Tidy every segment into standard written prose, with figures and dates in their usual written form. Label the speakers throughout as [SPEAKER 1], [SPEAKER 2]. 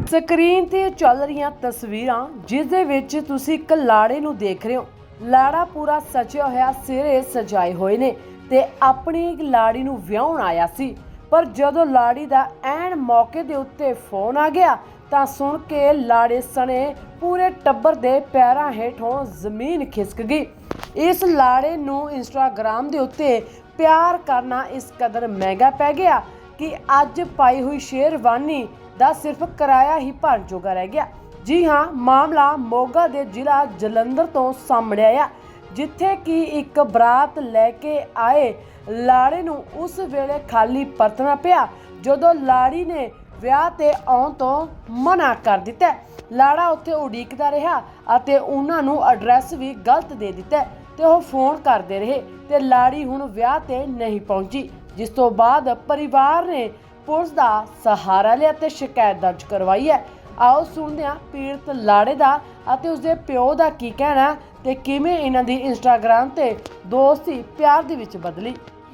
[SPEAKER 1] Screen ਤੇ ਚੱਲ ਰਹੀਆਂ ਤਸਵੀਰਾਂ ਜਿਸ ਦੇ ਵਿੱਚ ਤੁਸੀਂ ਇੱਕ ਲਾੜੇ ਨੂੰ ਦੇਖ ਰਹੇ ਹੋ। ਲਾੜਾ ਪੂਰਾ ਸਜਿਆ ਹੋਇਆ, ਸਿਰੇ ਸਜਾਏ ਹੋਏ ਨੇ ਤੇ ਆਪਣੀ ਲਾੜੀ ਨੂੰ ਵਿਆਹਣ ਆਇਆ ਸੀ। ਪਰ ਜਦੋਂ ਲਾੜੀ ਦਾ ਐਨ ਮੌਕੇ ਦੇ ਉੱਤੇ ਫੋਨ ਆ ਗਿਆ ਤਾਂ ਸੁਣ ਕੇ ਲਾੜੇ ਸਣੇ ਪੂਰੇ ਟੱਬਰ ਦੇ ਪੈਰਾਂ ਹੇਠੋਂ ਜ਼ਮੀਨ ਖਿਸਕ ਗਈ। ਇਸ ਲਾੜੇ ਨੂੰ ਇੰਸਟਾਗ੍ਰਾਮ ਦੇ ਉੱਤੇ ਪਿਆਰ ਕਰਨਾ ਇਸ ਕਦਰ ਮਹਿੰਗਾ ਪੈ ਗਿਆ ਕਿ ਅੱਜ ਪਾਈ ਹੋਈ ਸ਼ੇਰਵਾਨੀ ਦਾ ਸਿਰਫ ਕਿਰਾਇਆ ਹੀ ਭਰਨ ਜੋਗਾ ਰਹਿ ਗਿਆ। ਜੀ ਹਾਂ, ਮਾਮਲਾ ਮੋਗਾ ਦੇ ਜ਼ਿਲ੍ਹਾ ਜਲੰਧਰ ਤੋਂ ਸਾਹਮਣੇ ਆਇਆ, ਜਿੱਥੇ ਕਿ ਇੱਕ ਬਰਾਤ ਲੈ ਕੇ ਆਏ ਲਾੜੇ ਨੂੰ ਉਸ ਵੇਲੇ ਖਾਲੀ ਪਰਤਣਾ ਪਿਆ ਜਦੋਂ ਲਾੜੀ ਨੇ ਵਿਆਹ ਤੇ ਆਉਣ ਤੋਂ ਮਨਾ ਕਰ ਦਿੱਤਾ। ਲਾੜਾ ਉੱਥੇ ਉਡੀਕਦਾ ਰਿਹਾ ਅਤੇ ਉਹਨਾਂ ਨੂੰ ਐਡਰੈਸ ਵੀ ਗਲਤ ਦੇ ਦਿੱਤਾ ਤੇ ਉਹ ਫੋਨ ਕਰਦੇ ਰਹੇ ਤੇ ਲਾੜੀ ਹੁਣ ਵਿਆਹ ਤੇ ਨਹੀਂ ਪਹੁੰਚੀ, ਜਿਸ ਤੋਂ ਬਾਅਦ ਪਰਿਵਾਰ ਨੇ ਪੁਲਿਸ ਦਾ ਸਹਾਰਾ ਲਿਆ ਤੇ ਸ਼ਿਕਾਇਤ ਦਰਜ ਕਰਵਾਈ ਹੈ। ਆਓ ਸੁਣਦੇ ਹਾਂ ਪੀੜਤ ਲਾੜੇ ਦਾ ਅਤੇ ਉਸਦੇ ਪਿਓ ਦਾ ਕੀ ਕਹਿਣਾ ਤੇ ਕਿਵੇਂ ਇਹਨਾਂ ਦੀ ਇੰਸਟਾਗ੍ਰਾਮ ਤੇ ਦੋਸਤੀ ਪਿਆਰ ਦੇ ਵਿੱਚ ਬਦਲੀ।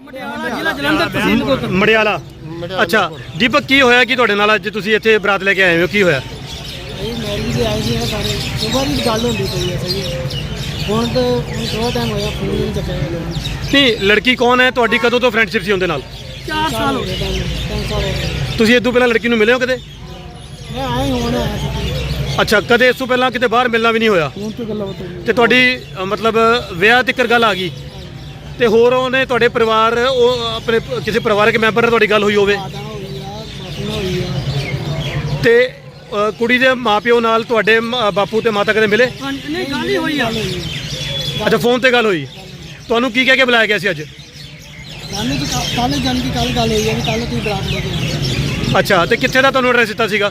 [SPEAKER 2] ਮੜਿਆਲਾ। ਅੱਛਾ ਦੀਪਕ, ਕੀ ਹੋਇਆ ਕਿ ਤੁਹਾਡੇ ਨਾਲ ਅੱਜ ਤੁਸੀਂ ਇੱਥੇ ਬਰਾਤ ਲੈ ਕੇ ਆਏ ਹੋ? ਕੀ ਹੋਇਆ?
[SPEAKER 3] ਮੈਰਿਜ ਦੇ ਆਏ ਸੀ ਸਾਰੇ ਸੁਬਾਹ ਦੀ ਗੱਲ ਹੁੰਦੀ ਪਈ ਹੈ ਸਹੀ। ਹੁਣ ਤਾਂ ਥੋੜਾ ਟਾਈਮ ਹੋਇਆ, ਫੋਨ ਨਹੀਂ ਚੱਕਿਆ।
[SPEAKER 2] ਨਹੀਂ, ਲੜਕੀ ਕੌਣ ਹੈ ਤੁਹਾਡੀ? ਕਦੋਂ ਤੋਂ ਫਰੈਂਡਸ਼ਿਪ ਸੀ ਉਹਦੇ ਨਾਲ?
[SPEAKER 3] 4 ਸਾਲ ਹੋ ਗਏ। 3 ਸਾਲ ਹੋ ਗਏ।
[SPEAKER 2] ਤੁਸੀਂ ਇਸ ਤੋਂ ਪਹਿਲਾਂ ਲੜਕੀ ਨੂੰ ਮਿਲੇ ਹੋ ਕਦੇ?
[SPEAKER 3] ਮੈਂ ਆਇਆ ਹੀ ਹੁਣ ਆਇਆ ਸੀ।
[SPEAKER 2] ਅੱਛਾ, ਕਦੇ ਇਸ ਤੋਂ ਪਹਿਲਾਂ ਕਿਤੇ ਬਾਹਰ ਮਿਲਣਾ ਵੀ ਨਹੀਂ ਹੋਇਆ?
[SPEAKER 3] ਫੋਨ ਤੇ ਗੱਲਾਂ ਬਤਾਈ
[SPEAKER 2] ਤੇ ਤੁਹਾਡੀ ਮਤਲਬ ਵਿਆਹ ਤੱਕ ਗੱਲ ਆ ਗਈ ਤੇ ਹੋਰ ਉਹਨੇ ਤੁਹਾਡੇ ਪਰਿਵਾਰ ਉਹ ਆਪਣੇ ਕਿਸੇ ਪਰਿਵਾਰਕ ਮੈਂਬਰ ਨਾਲ ਤੁਹਾਡੀ ਗੱਲ ਹੋਈ ਹੋਵੇ
[SPEAKER 3] ਮਾਤਾ ਹੋਈ ਆ, ਬਾਪੂ ਨਾਲ ਹੋਈ ਆ।
[SPEAKER 2] ਤੇ ਕੁੜੀ ਦੇ ਮਾਪਿਓ ਨਾਲ ਤੁਹਾਡੇ ਬਾਪੂ ਤੇ ਮਾਤਾ ਕਦੇ ਮਿਲੇ?
[SPEAKER 3] ਨਹੀਂ, ਗੱਲ ਹੀ ਹੋਈ ਆ।
[SPEAKER 2] ਅੱਛਾ, ਫੋਨ ਤੇ ਗੱਲ ਹੋਈ। ਤੁਹਾਨੂੰ ਕੀ ਕਹਿ ਕੇ ਬੁਲਾਇਆ ਗਿਆ ਸੀ ਅੱਜ?
[SPEAKER 3] ਸਾਨੂੰ ਤਾਂ ਕੱਲ ਜਾਣ ਦੀ ਗੱਲ ਹੋਈ ਹੈ ਕਿ ਕੱਲ ਤੁਸੀਂ ਬਰਾਤ ਲੈ ਕੇ
[SPEAKER 2] ਅੱਛਾ, ਤੇ ਕਿੱਥੇ ਦਾ ਤੁਹਾਨੂੰ ਐਡਰੈਸ ਦਿੱਤਾ ਸੀਗਾ?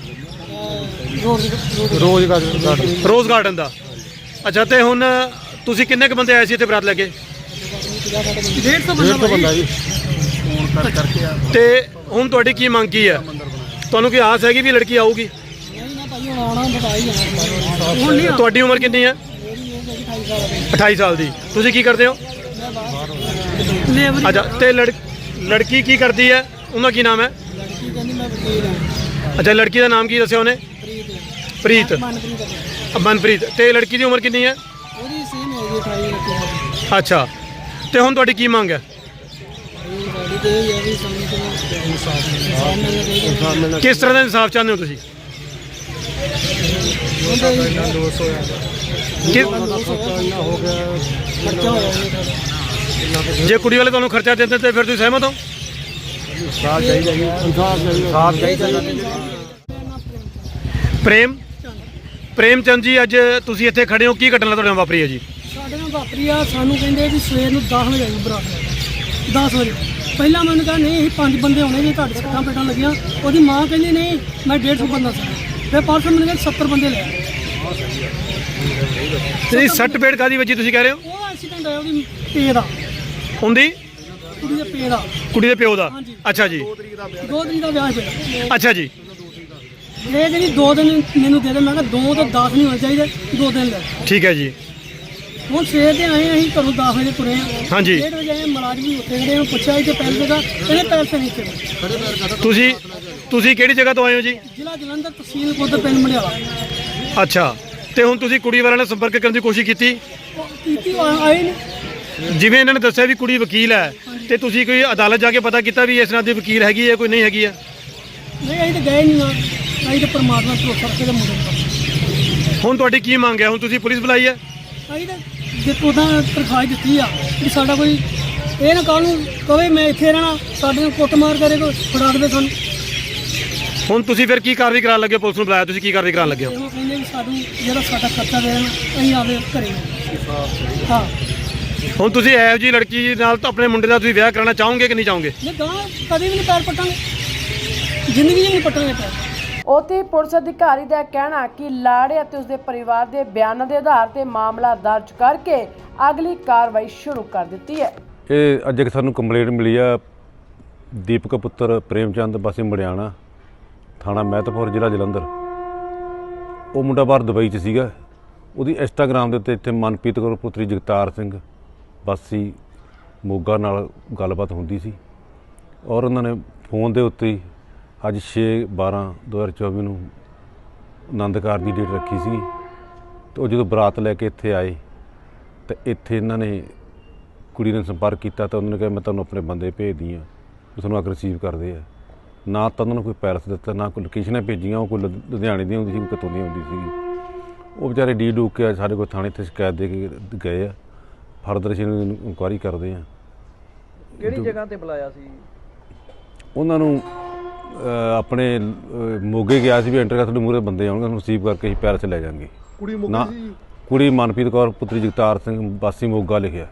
[SPEAKER 2] ਰੋਜ਼ ਗਾਰਡਨ ਦਾ। ਅੱਛਾ, ਤੇ ਹੁਣ ਤੁਸੀਂ ਕਿੰਨੇ ਕੁ ਬੰਦੇ ਆਏ ਸੀ ਇੱਥੇ ਬਰਾਤ ਲੈ ਕੇ?
[SPEAKER 3] 150 ਬੰਦਾ ਜੀ।
[SPEAKER 2] ਤੇ ਹੁਣ ਤੁਹਾਡੀ ਕੀ ਮੰਗ ਕੀ ਹੈ? ਤੁਹਾਨੂੰ ਕੀ ਆਸ ਹੈਗੀ ਵੀ ਲੜਕੀ ਆਊਗੀ?
[SPEAKER 3] ਨਹੀਂ ਨਾ ਭਾਈ, ਹੁਣ ਆਉਣਾ ਬਤਾ ਹੀ ਜਾਣਾ। ਹੁਣ ਨਹੀਂ।
[SPEAKER 2] ਤੁਹਾਡੀ ਉਮਰ ਕਿੰਨੀ ਹੈ?
[SPEAKER 3] ਮੇਰੀ ਉਮਰ 28 ਸਾਲ ਹੈ।
[SPEAKER 2] 28 ਸਾਲ ਦੀ। ਤੁਸੀਂ ਕੀ ਕਰਦੇ ਹੋ? ਅੱਛਾ, ਤੇ ਲੜਕੀ ਕੀ ਕਰਦੀ ਹੈ? ਉਹਦਾ ਕੀ ਨਾਮ ਹੈ?
[SPEAKER 3] ਲੜਕੀ ਕਹਿੰਦੀ ਮੈਂ ਵਕੀਲ ਹਾਂ।
[SPEAKER 2] ਅੱਛਾ, ਲੜਕੀ ਦਾ ਨਾਮ ਕੀ ਦੱਸਿਆ ਉਹਨੇ? ਪ੍ਰੀਤ। ਮਨਪ੍ਰੀਤ। ਤੇ ਲੜਕੀ ਦੀ ਉਮਰ ਕਿੰਨੀ ਹੈ?
[SPEAKER 3] ਉਹਦੀ ਸੇਮ ਹੈ ਜੀ, 28 ਲੱਗੀ।
[SPEAKER 2] ਅੱਛਾ, ਤੇ ਹੁਣ ਤੁਹਾਡੀ ਕੀ ਮੰਗ ਹੈ?
[SPEAKER 3] ਸਾਡੀ ਤੇ ਇਹ ਹੈ ਵੀ ਸਾਨੂੰ ਤਾਂ ਇਨਸਾਫ ਮਿਲਣਾ ਚਾਹੀਦਾ।
[SPEAKER 2] ਕਿਸ ਤਰ੍ਹਾਂ ਦਾ ਇਨਸਾਫ ਚਾਹੁੰਦੇ ਹੋ ਤੁਸੀਂ?
[SPEAKER 3] ਖਰਚਾ ਹੋਇਆ ਉਹਨੇ ਸਾਡਾ।
[SPEAKER 2] ਜੇ ਕੁੜੀ ਵਾਲੇ ਤੁਹਾਨੂੰ ਖਰਚਾ ਦਿੰਦੇ ਤੇ ਫਿਰ ਤੁਸੀਂ ਸਹਿਮਤ ਹੋ? ਪ੍ਰੇਮ ਚੰਦ ਜੀ, ਅੱਜ ਤੁਸੀਂ ਇੱਥੇ ਖੜੇ ਹੋ, ਕੀ ਘਟਨਾ ਤੁਹਾਡੇ ਨਾਲ ਵਾਪਰੀ ਹੈ ਜੀ?
[SPEAKER 3] ਸਾਡੇ ਨਾਲ ਵਾਪਰੀ ਆ। ਸਾਨੂੰ ਕਹਿੰਦੇ ਵੀ ਸਵੇਰ ਨੂੰ 10 ਵਜੇ ਆਈ ਬਰਾਤ। 10 ਵਜੇ ਪਹਿਲਾਂ ਮੈਨੂੰ ਕਿਹਾ ਨਹੀਂ, ਅਸੀਂ 5 ਬੰਦੇ ਹੋਣੇ ਜੀ, ਤੁਹਾਡੇ ਸੱਟਾਂ ਪੇਟਾਂ ਲੱਗੀਆਂ। ਉਹਦੀ ਮਾਂ ਕਹਿੰਦੀ ਨਹੀਂ, ਮੈਂ 150 ਬੰਦਾ ਸੀ। ਫਿਰ ਪਰਸੋਂ ਮੈਨੂੰ ਕਹਿੰਦੇ 70 ਬੰਦੇ ਲੈ ਆਏ।
[SPEAKER 2] ਤੇ ਸੱਟ ਪੇਟ ਕਾਦੀ ਵਜੀ ਤੁਸੀਂ ਕਹਿ ਰਹੇ ਹੋ?
[SPEAKER 3] ਉਹ ਐਕਸੀਡੈਂਟ ਹੋਇਆ ਉਹਦੀ ਪੇ ਦਾ,
[SPEAKER 2] ਹੁੰਦੀ
[SPEAKER 3] ਕੁੜੀ ਦੇ ਪੇ ਦਾ,
[SPEAKER 2] ਕੁੜੀ ਦੇ ਪਿਓ ਦਾ।
[SPEAKER 3] ਹਾਂਜੀ।
[SPEAKER 2] ਅੱਛਾ ਜੀ।
[SPEAKER 3] 2 ਤਰੀਕ ਦਾ ਵਿਆਹ ਸੀ।
[SPEAKER 2] ਅੱਛਾ ਜੀ।
[SPEAKER 3] ਇਹ ਜਿਹੜੀ 2 ਦਿਨ ਮੈਨੂੰ ਦੇ ਦੇ। ਮੈਂ ਕਿਹਾ 2 ਤੋਂ 10 ਨਹੀਂ ਹੋਣੇ ਚਾਹੀਦੇ, 2 ਦਿਨ ਲੈ।
[SPEAKER 2] ਠੀਕ ਹੈ ਜੀ।
[SPEAKER 3] ਹੁਣ ਸਵੇਰ ਦੇ ਆਏ ਅਸੀਂ ਘਰੋਂ 10 ਵਜੇ ਤੁਰੇ ਆ।
[SPEAKER 2] ਹਾਂਜੀ।
[SPEAKER 3] 1:30 ਵਜੇ ਆਏ, ਮੁਲਾਜ਼ਮ ਵੀ ਉੱਥੇ ਖੜੇ। ਪੁੱਛਿਆ ਕਿ ਪੈਸੇ ਦਾ, ਇਹਨੇ ਪੈਸੇ ਨਹੀਂ ਦਿੱਤੇ।
[SPEAKER 2] ਤੁਸੀਂ ਕਿਹੜੀ ਜਗ੍ਹਾ ਤੋਂ ਆਏ ਹੋ ਜੀ?
[SPEAKER 3] ਜ਼ਿਲ੍ਹਾ ਜਲੰਧਰ, ਤਹਿਸੀਲ ਕੋਟ, ਪਿੰਡ ਮੜਿਆਲਾ।
[SPEAKER 2] ਅੱਛਾ, ਤੇ ਹੁਣ ਤੁਸੀਂ ਕੁੜੀ ਵਾਲਿਆਂ ਨਾਲ ਸੰਪਰਕ ਕਰਨ ਦੀ ਕੋਸ਼ਿਸ਼ ਕੀਤੀ?
[SPEAKER 3] ਕੀਤੀ, ਆਏ ਨਹੀਂ।
[SPEAKER 2] ਜਿਵੇਂ ਇਹਨਾਂ ਨੇ ਦੱਸਿਆ ਵੀ ਕੁੜੀ ਵਕੀਲ ਹੈ, ਤੇ ਤੁਸੀਂ ਕੋਈ ਅਦਾਲਤ ਜਾ ਕੇ ਪਤਾ ਕੀਤਾ ਵੀ ਇਸ ਨਾਲ ਦੀ ਵਕੀਲ ਹੈਗੀ ਹੈ ਕੋਈ ਨਹੀਂ ਹੈਗੀ ਹੈ?
[SPEAKER 3] ਨਹੀਂ, ਅਸੀਂ ਤਾਂ ਗਏ ਨਹੀਂ ਨਾ। ਅਸੀਂ ਤਾਂ ਪਰਮਾਤਮਾ ਤੋਂ ਕਰਕੇ ਦੇ ਮੁੰਡੇ ਨੂੰ।
[SPEAKER 2] ਹੁਣ ਤੁਹਾਡੀ ਕੀ ਮੰਗ ਹੈ? ਹੁਣ ਤੁਸੀਂ ਪੁਲਿਸ ਬੁਲਾਈ ਹੈ?
[SPEAKER 3] ਅਸੀਂ ਤਾਂ ਜੇ ਉਹਦਾ ਤਰਖਾਹ ਦਿੱਤੀ ਆ ਵੀ ਸਾਡਾ ਕੋਈ ਇਹ ਨਾ ਕੱਲ੍ਹ ਨੂੰ ਕਵੇ ਮੈਂ ਇੱਥੇ ਰਹਿਣਾ, ਸਾਡੇ ਨੂੰ ਕੁੱਟਮਾਰ ਕਰੇ, ਕੋਈ ਫੜਾ ਦੇਵੇ ਸਾਨੂੰ।
[SPEAKER 2] ਹੁਣ ਤੁਸੀਂ ਫਿਰ ਕੀ ਕਾਰਵਾਈ ਕਰਾਉਣ ਲੱਗੇ ਹੋ? ਪੁਲਿਸ ਨੂੰ ਬੁਲਾਇਆ, ਤੁਸੀਂ ਕੀ ਕਾਰਵਾਈ ਕਰਾਉਣ ਲੱਗੇ ਹੋ?
[SPEAKER 3] ਉਹ ਕਹਿੰਦੇ ਵੀ ਸਾਨੂੰ ਜਿਹੜਾ ਸਾਡਾ ਖਰਚਾ ਦੇ ਦੇਣਾ, ਅਸੀਂ ਆਵੇ ਘਰੇ। ਹਾਂ।
[SPEAKER 2] ਹੁਣ ਤੁਸੀਂ ਇਹੋ ਜਿਹੀ ਲੜਕੀ ਨਾਲ ਤਾਂ ਆਪਣੇ ਮੁੰਡੇ ਦਾ ਤੁਸੀਂ ਵਿਆਹ ਕਰਾਉਣਾ ਚਾਹੋਗੇ ਕਿ ਨਹੀਂ ਚਾਹੋਗੇ?
[SPEAKER 3] ਨਹੀਂ, ਗਾਂ ਕਦੇ ਵੀ ਨਹੀਂ ਪੈਰ ਪੱਟਾਂਗੇ, ਜ਼ਿੰਦਗੀ 'ਚ ਨਹੀਂ ਪੱਟਾਂਗੇ ਪੈਰ।
[SPEAKER 1] ਉੱਥੇ ਪੁਲਿਸ ਅਧਿਕਾਰੀ ਦਾ ਕਹਿਣਾ ਕਿ ਲਾੜੇ ਅਤੇ ਉਸਦੇ ਪਰਿਵਾਰ ਦੇ ਬਿਆਨਾਂ ਦੇ ਆਧਾਰ ਤੇ ਮਾਮਲਾ ਦਰਜ ਕਰਕੇ ਅਗਲੀ ਕਾਰਵਾਈ ਸ਼ੁਰੂ ਕਰ ਦਿੱਤੀ ਹੈ।
[SPEAKER 4] ਇਹ ਅੱਜ ਇੱਕ ਸਾਨੂੰ ਕੰਪਲੇਂਟ ਮਿਲੀ ਆ, ਦੀਪਕ ਪੁੱਤਰ ਪ੍ਰੇਮ ਚੰਦ ਵਾਸੀ ਮੜਿਆਣਾ, ਥਾਣਾ ਮਹਿਤਪੁਰ, ਜ਼ਿਲ੍ਹਾ ਜਲੰਧਰ। ਉਹ ਮੁੰਡਾ ਬਾਹਰ ਦੁਬਈ 'ਚ ਸੀਗਾ। ਉਹਦੀ ਇੰਸਟਾਗ੍ਰਾਮ ਦੇ ਉੱਤੇ ਇੱਥੇ ਮਨਪ੍ਰੀਤ ਕੌਰ ਪੁੱਤਰੀ ਜਗਤਾਰ ਸਿੰਘ ਵਾਸੀ ਮੋਗਾ ਨਾਲ ਗੱਲਬਾਤ ਹੁੰਦੀ ਸੀ ਔਰ ਉਹਨਾਂ ਨੇ ਫੋਨ ਦੇ ਉੱਤੇ ਹੀ ਅੱਜ 6/12/2024 ਨੂੰ ਆਨੰਦ ਕਾਰਜ ਦੀ ਡੇਟ ਰੱਖੀ ਸੀ ਤੇ ਉਹ ਜਦੋਂ ਬਰਾਤ ਲੈ ਕੇ ਇੱਥੇ ਆਏ ਤੇ ਇੱਥੇ ਇਹਨਾਂ ਨੇ ਕੁੜੀ ਨੇ ਸੰਪਰਕ ਕੀਤਾ ਤਾਂ ਉਹਨਾਂ ਨੇ ਕਿਹਾ ਮੈਂ ਤੁਹਾਨੂੰ ਆਪਣੇ ਬੰਦੇ ਭੇਜਦੀ ਹਾਂ ਉਹ ਤੁਹਾਨੂੰ ਆ ਕੇ ਰਿਸੀਵ ਕਰਦੇ ਆ। ਨਾ ਤਾਂ ਉਹਨਾਂ ਨੂੰ ਕੋਈ ਪੈਰਸ ਦਿੱਤਾ, ਨਾ ਕੋਈ ਲੋਕੇਸ਼ਨਾਂ ਭੇਜੀਆਂ। ਉਹ ਕੋਈ ਲੁਧਿਆਣੇ ਦੀ ਹੁੰਦੀ ਸੀ, ਕੋਈ ਕਿਤੋਂ ਦੀ ਹੁੰਦੀ ਸੀਗੀ। ਉਹ ਵਿਚਾਰੇ ਡੀ ਡੂਕ ਕੇ ਸਾਡੇ ਕੋਲ ਥਾਣੇ 'ਤੇ ਸ਼ਿਕਾਇਤ ਦੇ ਕੇ ਗਏ ਆ। ਫਰਦਰ ਅਸੀਂ ਇਨਕੁਆਇਰੀ ਕਰਦੇ ਆ।
[SPEAKER 5] ਕਿਹੜੀ ਜਗ੍ਹਾ ਤੇ ਬੁਲਾਇਆ ਸੀ?
[SPEAKER 4] ਉਹਨਾਂ ਨੂੰ ਆਪਣੇ ਮੋਗੇ ਗਿਆ ਸੀ ਵੀ ਐਂਟਰ ਕਰ ਤੁਹਾਡੇ ਮੂਹਰੇ ਬੰਦੇ ਆਉਣਗੇ, ਤੁਹਾਨੂੰ ਰਿਸੀਵ ਕਰਕੇ ਅਸੀਂ ਪੈਰਸ ਲੈ ਜਾਵਾਂਗੇ।
[SPEAKER 2] ਕੁੜੀ
[SPEAKER 4] ਨਾ ਕੁੜੀ ਮਨਪ੍ਰੀਤ ਕੌਰ ਪੁੱਤਰੀ ਜਗਤਾਰ ਸਿੰਘ ਵਾਸੀ ਮੋਗਾ ਲਿਖਿਆ।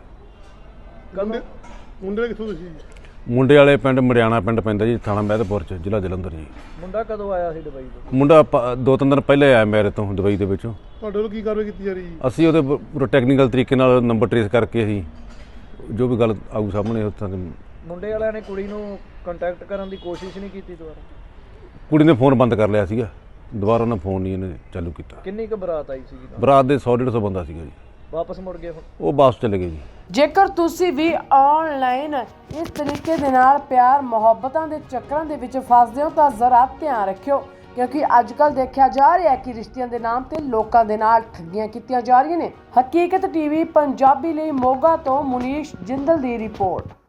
[SPEAKER 2] ਮੁੰਡੇ ਕਿੱਥੋਂ ਤੁਸੀਂ?
[SPEAKER 4] ਮੁੰਡੇ ਵਾਲੇ ਪਿੰਡ ਮੜਿਆਣਾ ਪਿੰਡ ਪੈਂਦਾ ਜੀ, ਥਾਣਾ ਮਹਿਦਪੁਰ 'ਚ, ਜ਼ਿਲ੍ਹਾ ਜਲੰਧਰ ਜੀ।
[SPEAKER 5] ਮੁੰਡਾ ਕਦੋਂ ਆਇਆ ਸੀ ਦੁਬਈ ਤੋਂ?
[SPEAKER 4] ਮੁੰਡਾ 2-3 ਦਿਨ ਪਹਿਲੇ ਆਇਆ ਮੇਰੇ ਤੋਂ ਦੁਬਈ ਦੇ ਵਿੱਚੋਂ।
[SPEAKER 2] ਤੁਹਾਡੇ ਵੱਲੋਂ ਕੀ ਕਾਰਵਾਈ ਕੀਤੀ ਜਾ ਰਹੀ?
[SPEAKER 4] ਅਸੀਂ ਉਹਦੇ ਪੂਰਾ ਟੈਕਨੀਕਲ ਤਰੀਕੇ ਨਾਲ ਨੰਬਰ ਟਰੇਸ ਕਰਕੇ ਅਸੀਂ ਜੋ ਵੀ ਗੱਲ ਆਊ ਸਾਹਮਣੇ ਉੱਥਾਂ ਦੇ।
[SPEAKER 5] ਮੁੰਡੇ ਵਾਲਿਆਂ ਨੇ ਕੁੜੀ ਨੂੰ ਕੰਟੈਕਟ ਕਰਨ ਦੀ ਕੋਸ਼ਿਸ਼ ਨਹੀਂ ਕੀਤੀ ਦੁਬਾਰਾ?
[SPEAKER 4] ਕੁੜੀ ਨੇ ਫੋਨ ਬੰਦ ਕਰ ਲਿਆ ਸੀਗਾ, ਦੁਬਾਰਾ ਉਹਨਾਂ ਫੋਨ ਨਹੀਂ ਇਹਨੇ ਚਾਲੂ ਕੀਤਾ।
[SPEAKER 5] ਕਿੰਨੀ ਕੁ ਬਰਾਤ ਆਈ ਸੀਗੀ?
[SPEAKER 4] ਬਰਾਤ ਦੇ 100-150 ਬੰਦਾ ਸੀਗਾ ਜੀ।
[SPEAKER 5] ਵਾਪਸ ਮੁੜ ਗਏ ਹੁਣ?
[SPEAKER 4] ਉਹ ਵਾਪਸ ਚਲੇ ਗਏ ਜੀ।
[SPEAKER 1] ਜੇਕਰ ਤੁਸੀਂ ਵੀ ਆਨਲਾਈਨ ਇਸ ਤਰੀਕੇ ਦੇ ਨਾਲ ਪਿਆਰ ਮੁਹੱਬਤਾਂ ਦੇ ਚੱਕਰਾਂ ਦੇ ਵਿੱਚ ਫਸਦੇ ਹੋ ਤਾਂ ਜ਼ਰਾ ਧਿਆਨ ਰੱਖਿਓ, ਕਿਉਂਕਿ ਅੱਜ ਕੱਲ੍ਹ ਦੇਖਿਆ ਜਾ ਰਿਹਾ ਹੈ ਕਿ ਰਿਸ਼ਤਿਆਂ ਦੇ ਨਾਮ ਤੇ ਲੋਕਾਂ ਦੇ ਨਾਲ ਠੱਗੀਆਂ ਕੀਤੀਆਂ ਜਾ ਰਹੀਆਂ ਨੇ। ਹਕੀਕਤ ਟੀਵੀ ਪੰਜਾਬੀ ਲਈ ਮੋਗਾ ਤੋਂ ਮੁਨੀਸ਼ ਜਿੰਦਲ ਦੀ ਰਿਪੋਰਟ।